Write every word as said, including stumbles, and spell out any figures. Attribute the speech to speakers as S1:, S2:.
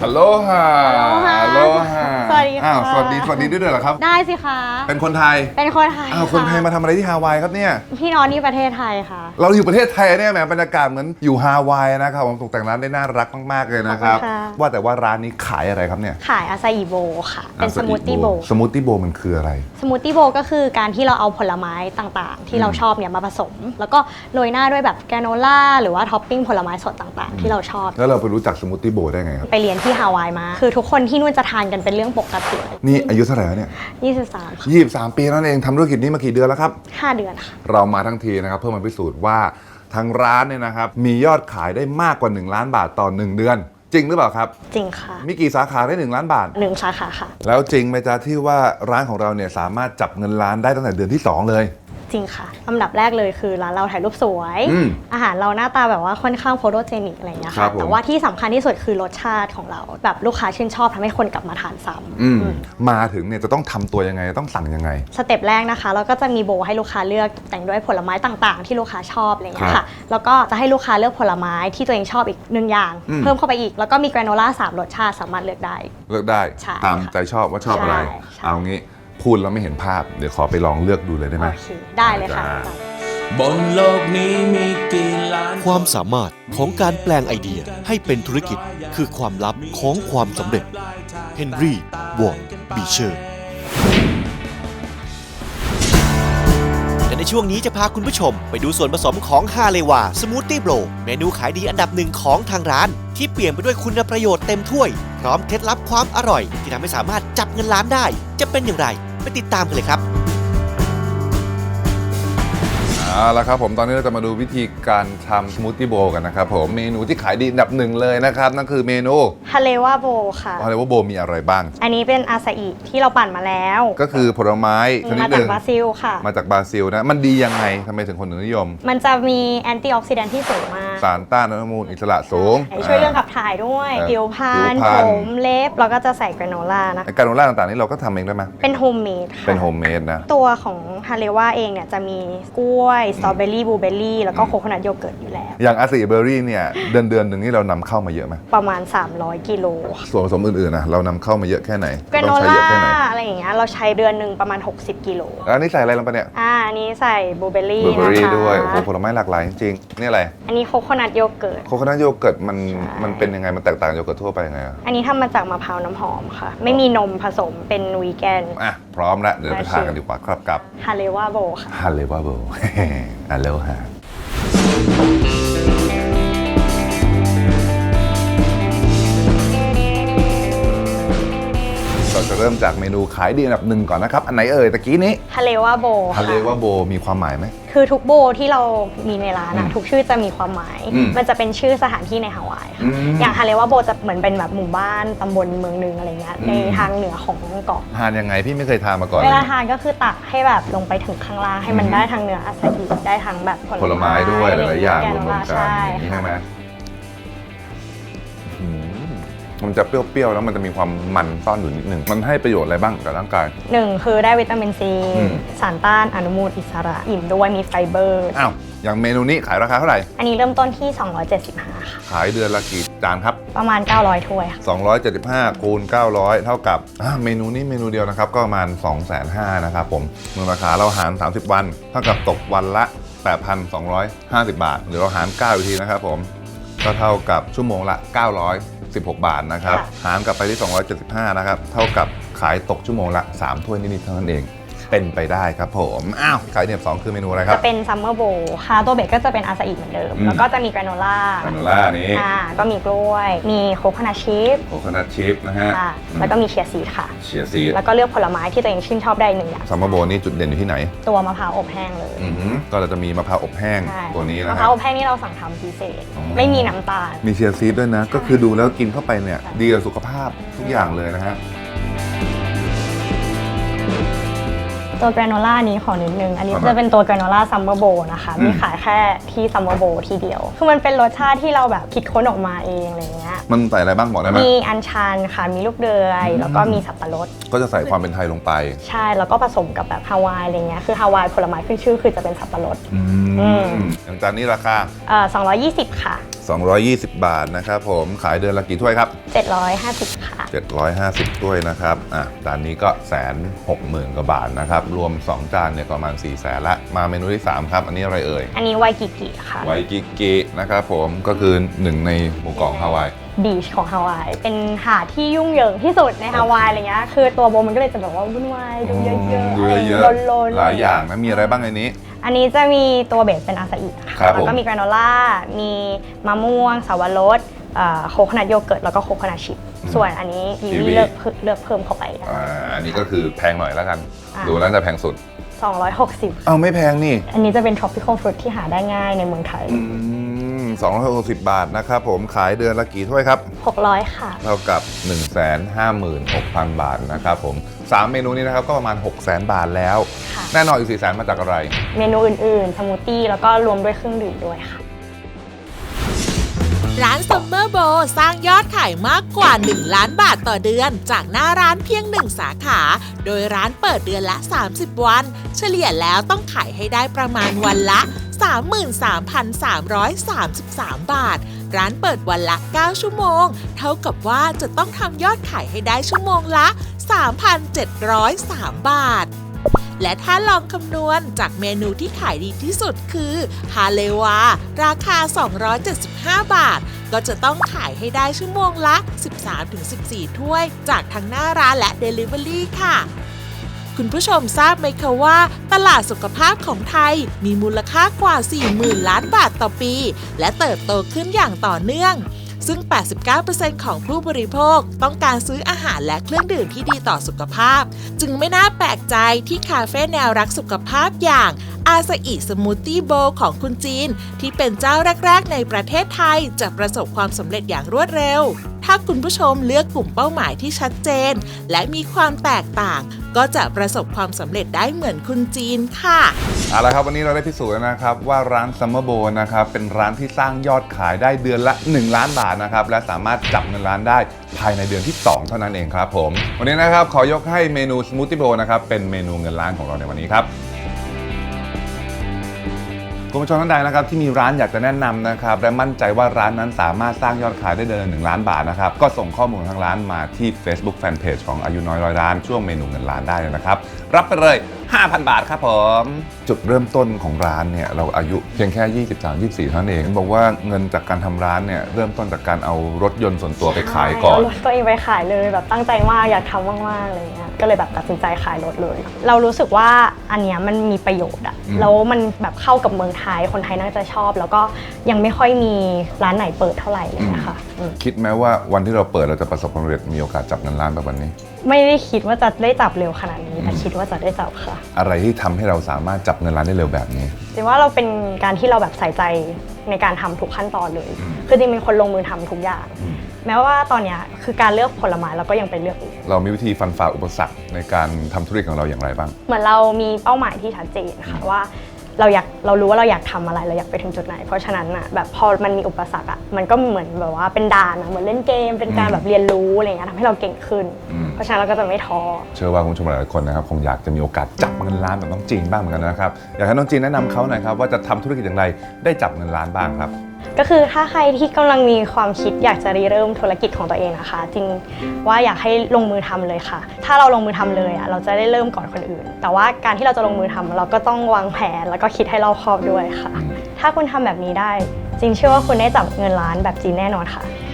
S1: ฮัลโหลฮะฮัลโหลฮะ
S2: สวัสดีค่ะ
S1: อ้าวสวัสดีสวัสดีด้วยเหรอครับ
S2: ได้สิคะ
S1: เป็นคนไทย
S2: เป็นคนไทย
S1: อ้าวคนไทยมาทำอะไรที่ฮาวายครับเนี่ย
S2: พี่น้องที่ประเทศไทยค่ะ
S1: เราอยู่ประเทศไทยเนี่ยแหมบรรยากาศเหมือนอยู่ฮาวายนะครับผมตกแต่งร้านได้น่ารักมากๆเลยนะครับว่าแต่ว่าร้านนี้ขายอะไรครับเนี่ย
S2: ขายอาซาอิโบค่ะเป็นสมูทตี้โบ
S1: สมูทตี้โบมันคืออะไร
S2: สมูทตี้โบก็คือการที่เราเอาผลไม้ต่างๆ ที่เราชอบเนี่ยมาผสม แล้วก็โรยหน้าด้วยแบบแกรโนล่าหรือว่าท็อปปิ้งผลไม้สดต่างๆ ที่เราชอบ
S1: แล้วเราไปรู้จักสมูทตี้โบได้ไงครับ
S2: ไปเรียนที่ฮาวายมาคือทุกคนที่นู่นจะทานกันเป็นเรื่องปกติ
S1: นี่อายุเท่าไหร่แล้วเนี่ย
S2: ยี่สิบสาม
S1: ยี่สิบสามปีนั่นเองทำธุรกิจนี้มากี่เดือนแล้วครับ
S2: ห้าเดือนค่ะ
S1: เรามาทั้งทีนะครับเพื่อมาพิสูจน์ว่าทางร้านเนี่ยนะครับมียอดขายได้มากกว่าหนึ่งล้านบาทต่อหนึ่งเดือนจริงหรือเปล่าครับ
S2: จริงค่ะ
S1: มีกี่สาขาได้หนึ่งล้านบาท
S2: หนึ่งสาขาค่ะ
S1: แล้วจริงไหมจ๊ะที่ว่าร้านของเราเนี่ยสามารถจับเงินล้านได้ตั้งแต่เดือนที่สองเลย
S2: จริงค่ะอันดับแรกเลยคือร้านเราถ่ายรูปสวยอาหารเราหน้าตาแบบว่าค่อนข้างโฟโตเจนิกอะไรอย่างเงี้ยค่ะแต่ว่าที่สำคัญที่สุดคือรสชาติของเราแบบลูกค้าชื่นชอบทำให้คนกลับมาทานซ้
S1: ำมาถึงเนี่ยจะต้องทำตัวยังไงต้องสั่งยังไง
S2: สเต็ปแรกนะคะเราก็จะมีโบให้ลูกค้าเลือกแต่งด้วยผลไม้ต่างๆที่ลูกค้าชอบอะไรอย่างเงี้ยค่ะแล้วก็จะให้ลูกค้าเลือกผลไม้ที่ตัวเองชอบอีกหนึ่งอย่างเพิ่มเข้าไปอีกแล้วก็มีแกรโนล่าสามรสชาติสามารถเลือกได้
S1: เลือกได้ตามใจชอบว่าชอบอะไรเอางี้พูดแล้วไม่เห็นภาพเดี๋ยวขอไปลองเลือกดูเลยได้ไหม
S2: ได้เลยค่ะ
S3: บนโลกนี้มีกี่ล้าน
S4: ความสามารถของการแปลงไอเดียให้เป็นธุรกิจคือความลับของความสำเร็จเฮนรี่วอร์ดบีเชอร์และในช่วงนี้จะพาคุณผู้ชมไปดูส่วนผสมของฮาเลวาสมูทตี้โบรเมนูขายดีอันดับหนึ่งของทางร้านที่เปลี่ยนไปด้วยคุณประโยชน์เต็มถ้วยพร้อมเคล็ดลับความอร่อยที่ทำให้สามารถจับเงินล้านได้จะเป็นอย่างไรไปติดตามกันเลยครับ
S1: เอาละครับผมตอนนี้เราจะมาดูวิธีการทำสมูทตี้โบว์กันนะครับผมเมนูที่ขายดีอันดับหนึ่งเลยนะครับนั่นคือเมนู
S2: ฮาเลวาโบค่ะ
S1: ฮาเลวาโบมีอะไรบ้าง
S2: อันนี้เป็นอาซาอิที่เราปั่นมาแล้ว
S1: ก็คือผลไม้ชนิดหนึ่ง
S2: มาจากบราซิลค่ะ
S1: มาจากบราซิลนะมันดียังไงทำไมถึงคนถึงนิยม
S2: มันจะมีแอนตี้ออกซิแดนท์ที่สูงมาก
S1: สารต้านอนุมูลอิสระสูง
S2: ช่วยเรื่องขับถ่ายด้วยผิวพรรณผมเล็บเราก็จะใส่แกรโนล่านะ
S1: แกรโนล่าต่างๆนี่เราก็ทำเองได้ไหม
S2: เป็นโฮมเมดค่ะ
S1: เป็นโฮมเมดนะ
S2: ตัวของฮาเลวาเองเนี่ยจะมีกล้วยสตรอเบอรี่บลูเบอร์รี่แล้วก็โคโคนัทโยเกิร์ตอยู่แล้ว
S1: อย่างอาซาอิเบอร์รี่เนี่ยเดือนเดือนหนึ่งนี่เรานำเข้ามาเยอะไหม
S2: ประมาณสามร้อยกิโล
S1: ส่วนผสมอื่นๆนะเรานำเข้ามาเยอะแค่ไหน
S2: แกรโนล่าอะไรอย่างเงี้ยเราใช้เดือนหนึ่งประมาณหกสิบกิโล
S1: แล้วนี่ใส่อะไรลงไปเนี่ย
S2: อ่าอันนี้ใส่บลูเบอร์รี่
S1: นะคะด้วยโอ้ผลไม้หลากหลายจริงๆนี่อะไร
S2: อันนี้โคโคนัทโยเกิร์ต
S1: โคโคนัทโยเกิร์ตมันมันเป็นยังไงมันแตกต่างโยเกิร์ตทั่วไปยังไง
S2: อันนี้ทำมาจากมะพร้าวน้ำหอมค่ะไม่มีนมผสมเป็นวีแกน
S1: อ่ะพร้อมแล้วเดี๋ยวไปทานกันดีกว่าครับกับ
S2: ฮาเลวาโบค่ะ
S1: ฮาเลวาโบฮัลโหลฮะเราจะเริ่มจากเมนูขายดีอันดับหนึ่งก่อนนะครับอันไหนเอ่ยตะกี้นี้
S2: ฮาเลวาโบ
S1: ฮาเลวาโบมีความหมายไหม
S2: คือทุกโบที่เรามีในร้านนะทุกชื่อจะมีความหมายมันจะเป็นชื่อสถานที่ในฮาวายค่ะอย่างฮาเลวาโบจะเหมือนเป็นแบบหมู่บ้านตำบลเมืองนึงอะไรเงี้ยในทางเหนือของเกาะ
S1: ทานยังไงพี่ไม่เคยทานมาก่อน
S2: เวลาทานก็คือตักให้แบบลงไปถึงข้างล่างให้มันได้ทั้งเนื้ออาซาอิได้ทั้งแบบ
S1: ผลไม้ด้วยหลายๆอย่างรวมกันใช่ไหมมันจะเปรี้ยวๆแล้วมันจะมีความมันซ่อนอยู่นิดนึงมันให้ประโยชน์อะไรบ้างกับร่างกาย
S2: หนึ่งคือได้วิตามินซีสารต้านอนุมูลอิสระอิ่มด้วยมีไฟเบอร์
S1: อ้าวอย่างเมนูนี้ขายราคาเท่าไหร่
S2: อันนี้เริ่มต้นที่สองร้อยเจ็ดสิบห้าค่ะ
S1: ขายเดือนละกี่จานครับ
S2: ประมาณเก้าร้อยถ้วยค่ะ
S1: สองร้อยเจ็ดสิบห้าคูณเก้าร้อยเท่ากับเมนูนี้เมนูเดียวนะครับก็ประมาณ สองแสนห้าหมื่น นะครับผมมูลค่าเราหารสามสิบวันเท่ากับตกวันละ แปดพันสองร้อยห้าสิบ บาทหรือเราหารเก้าอีกทีนะครับผมก็เท่ากับชั่วโมงละเก้าร้อยสิบหกบาทนะครับหารกลับไปที่สองร้อยเจ็ดสิบห้านะครับเท่ากับขายตกชั่วโมงละสามถ้วยนิดๆเท่านั้นเองเป็นไปได้ครับผมอ้าวขายเนี่ยสองคือเมนูอะไรครับ
S2: จะเป็นซัมเมอร์โบว์ค่ะตัวเบรกก็จะเป็นอาซาอิเหมือนเดิมแล้วก็จะมีแกรโนล่า
S1: แกรโนล่านี้
S2: อ่าก็มีกล้วยมีโคโคนัทชิพ
S1: โคโคนัทชิพนะฮะ
S2: แล้วก็มีเชียร์ซีดค่ะ
S1: เชียร์ซีด
S2: แล้วก็เลือกผลไม้ที่ตัวเองชื่นชอบได้หนึ่งอย่าง
S1: ซัมเมอร์โบว์นี่จุดเด่นอยู่ที่ไหน
S2: ตัวมะพร้าวอบแห้งเลย
S1: ก็เราจะมีมะพร้าวอบแห้งตัวนี้นะ
S2: มะพร้าวอบแห้งนี่เราสั่งทำพิเศษไม่มีน้ำตาล
S1: มีเชียร์ซีดด้วยนะก็คือดูแล้วกินเข้าไปเนี่ยดีกับสุขภาพทุกอย่างเลยนะฮะ
S2: ตัวแกรโนล่านี้ขอนิดนึงอันนี้
S1: ครับ
S2: จะเป็นตัวแกรโนล่าซัมเมอร์โบนะคะ
S1: อืม
S2: มีขายแค่ที่ซัมเมอร์โบทีเดียวคือมันเป็นรสชาติที่เราแบบคิดค้นออกมาเองอะไรเงี้ย
S1: มันใส่อะไรบ้างบอกได้ไหม
S2: มีอัญชันค่ะมีลูกเดือยแล้วก็มีสับปะรด
S1: ก็จะใส่ความเป็นไทยลงไป
S2: ใช่แล้วก็ผสมกับแบบฮาวายอะไรเงี้ยคือฮาวายผลไม้ขึ้นชื่อคือจะเป็นสับปะรด
S1: อื
S2: อืม
S1: มอย่างจานนี้ราคา
S2: เอ่อสองร้อยยี่สิบค่ะ
S1: สองร้อยยี่สิบบาทนะครับผมขายเดือนละกี่ถ้วยครับ
S2: เจ็ดร้อยห้าสิบค่ะ
S1: เจ็ดร้อยห้าสิบถ้วยนะครับอ่ะจานนี้ก็แสนหกหมื่นกว่าบาทนะครับรวมสองจานเนี่ยประมาณสี่แสนละมาเมนูที่สามครับอันนี้อะไรเอ่ย
S2: อันนี้ไวกิกิค่ะ
S1: ไวกิกินะครับผมก็คือหนึ่งในหมู่เกาะฮาวาย
S2: บีชของฮาวายเป็นหาดที่ยุ่งเหยิงที่สุดในฮาวายอะไรเงี้ยคือตัวโบมันก็เลยจะแบบว่าวุ่นวายดูเยอะๆ
S1: ดูเยอะ
S2: ลนๆ
S1: หลายอย่างนะมีอะไรบ้างในนี้
S2: อันนี้จะมีตัวเบสเป็นอาซาอิค่ะ
S1: ครับ
S2: แล้วก็
S1: ผม
S2: มีแกรโนล่ามีมะม่วงสาวรสเอ่อโคโคนัทโยเกิร์ตแล้วก็โคโคนัทชิพส่วนอันนี้กีวีเลือกเพิ่มเลือกเพิ่มเข้าไปได้
S1: อ่าอันนี้ก็คือแพงหน่อยแล้วกัน
S2: อ่า
S1: ดูแล้วจะแพงสุด
S2: สองร้อยหกสิบ
S1: เอาไม่แพงนี่
S2: อันนี้จะเป็น tropical fruit ที่หาได้ง่ายในเมืองไทย
S1: อืมสองร้อยหกสิบบาทนะครับผมขายเดือนละกี่ถ้วยครับ
S2: หกร้อยค่ะ
S1: เท่ากับ หนึ่งแสนห้าหมื่นหกพัน บาทนะครับผมสามเมนูนี้นะครับก็ประมาณ หกแสน บาทแล้ว
S2: ค่ะ
S1: แน่นอนอีกสี่แสนมาจากอะไร
S2: เมนูอื่นๆ สมูทตี้แล้วก็รวมด้วยเครื่องดื่มด้วยค่ะ
S5: ร้านซัมเมอร์โบสร้างยอดขายมากกว่า หนึ่ง ล้านบาทต่อเดือน จากหน้าร้านเพียงหนึ่งสาขา โดยร้านเปิดเดือนละ สามสิบ วัน เฉลี่ยแล้วต้องขายให้ได้ประมาณวันละ สามหมื่นสามพันสามร้อยสามสิบสาม บาท ร้านเปิดวันละ เก้า ชั่วโมง เท่ากับว่าจะต้องทำยอดขายให้ได้ชั่วโมงละ สามพันเจ็ดร้อยสาม บาท และถ้าลองคำนวณจากเมนูที่ขายดีที่สุดคือฮาเลวา ราคา สองร้อยเจ็ดสิบห้า บาท ก็จะต้องขายให้ได้ชั่วโมงละ สิบสามถึงสิบสี่ ถ้วย จากทั้งหน้าร้านและ Delivery ค่ะ คุณผู้ชมทราบไหมคะว่า ตลาดสุขภาพของไทยมีมูลค่ากว่า สี่หมื่น ล้านบาทต่อปี และเติบโตขึ้นอย่างต่อเนื่อง ซึ่ง แปดสิบเก้าเปอร์เซ็นต์ ของผู้บริโภคต้องการซื้ออาหารและเครื่องดื่มที่ดีต่อสุขภาพ จึงไม่น่าแปลกใจที่คาเฟ่แนวรักสุขภาพอย่างอาซาอิสมูทตี้โบว์ของคุณจีน ที่เป็นเจ้าแรกๆในประเทศไทยจะประสบความสำเร็จอย่างรวดเร็ว ถ้าคุณผู้ชมเลือกกลุ่มเป้าหมายที่ชัดเจน และมีความแตกต่าง ก็จะประสบความสำเร็จได้เหมือนคุณจีนค่ะ
S1: เอาละครับวันนี้เราได้พิสูจน์แล้วนะครับว่าร้าน Summer Bowl นะครับเป็นร้านที่สร้างยอดขายได้เดือนละ หนึ่ง ล้านบาทนะครับและสามารถจับเงินล้านได้ภายในเดือนที่ สอง เท่านั้นเองครับผมวันนี้นะครับขอยกให้เมนู Smoothie Bowl นะครับเป็นเมนูเงินล้านของเราในวันนี้ครับคุณผู้ชมท่านใดนะครับที่มีร้านอยากจะแนะนำนะครับและมั่นใจว่าร้านนั้นสามารถสร้างยอดขายได้เดือนละหนึ่งล้านบาทนะครับก็ส่งข้อมูลของทางร้านมาที่ Facebook Fanpage ของอายุน้อยร้อยล้านช่วงเมนูเงินล้านได้เลยนะครับรับไปเลย ห้าพัน บาทครับผมจุดเริ่มต้นของร้านเนี่ยเราอายุเพียงแค่ ยี่สิบสาม ยี่สิบสี่ เท่านั้นเองบอกว่าเงินจากการทำร้านเนี่ยเริ่มต้นจากการเอารถยนต์ส่วนตัวไปขายก่อน
S2: ใช่เารถตัวเองไปขายเลยแบบตั้งใจมากอยากทำมากๆอะไรเงี้ยก็เลยแบบตัดสินใจขายรถเลย เรารู้สึกว่าอันเนี้ยมันมีประโยชน์อะ
S1: อืม
S2: แล้วมันแบบเข้ากับเมืองไทยคนไทยน่าจะชอบ แล้วก็ยังไม่ค่อยมีร้านไหนเปิดเท่าไหร่เลยนะคะอืม
S1: คิดไหมว่าวันที่เราเปิดเราจะประสบความสำเร็จมีโอกาสจับเงินล้านแบบวันนี้
S2: ไม่ได้คิดว่าจะได้จับเร็วขนาดนี้แต่คิดว่าจะได้จับค่ะ
S1: อะไรที่ทำให้เราสามารถจับเงินล้านได้เร็วแบบนี้
S2: จริงว่าเราเป็นการที่เราแบบใส่ใจในการทำทุกขั้นตอนเลย
S1: อืม
S2: คือจริงเป็นคนลงมือทำทุกอย่าง
S1: อืม
S2: แม้ว่าตอนเนี้ยคือการเลือกผลไม้เราก็ยังไปเลือกเอง
S1: เรามีวิธีฟันฝ่าอุปสรรคในการทำธุรกิจของเราอย่างไรบ้าง
S2: เหมือนเรามีเป้าหมายที่ชัดเจนค่ะว่าเราอยากเรารู้ว่าเราอยากทำอะไรเราอยากไปถึงจุดไหน เพราะฉะนั้นอ่ะแบบพอมันมีอุปสรรคอ่ะมันก็เหมือนแบบว่าเป็นด่านอะเหมือนเล่นเกมเป็นการแบบเรียนรู้อะไรเงี้ยทำให้เราเก่งขึ้น
S1: อืม
S2: เพราะฉะนั้นเราก็จะไม่ท้อ
S1: เชื่อว่าคุณผู้ชมหลายๆคนนะครับคงอยากจะมีโอกาสจับเงินล้านแบบน้องจีนบ้างเหมือนกันนะครับอยากให้น้องจีนแนะนำเขาหน่อยครับว่าจะทำธุรกิจอย่างไรได้จับเงินล้านบ้างครับ
S2: ก็คือถ้าใครที่กำลังมีความคิดอยากจะริเริ่มธุรกิจของตัวเองนะคะจริงว่าอยากให้ลงมือทำเลยค่ะ ถ้าเราลงมือทำเลยอ่ะเราจะได้เริ่มก่อนคนอื่น แต่ว่าการที่เราจะลงมือทำเราก็ต้องวางแผนแล้วก็คิดให้รอบคอบด้วยค่ะ ถ้าคุณทำแบบนี้ได้จริงเชื่อว่าคุณได้จับเงินล้านแบบจีนแน่นอนค่ะ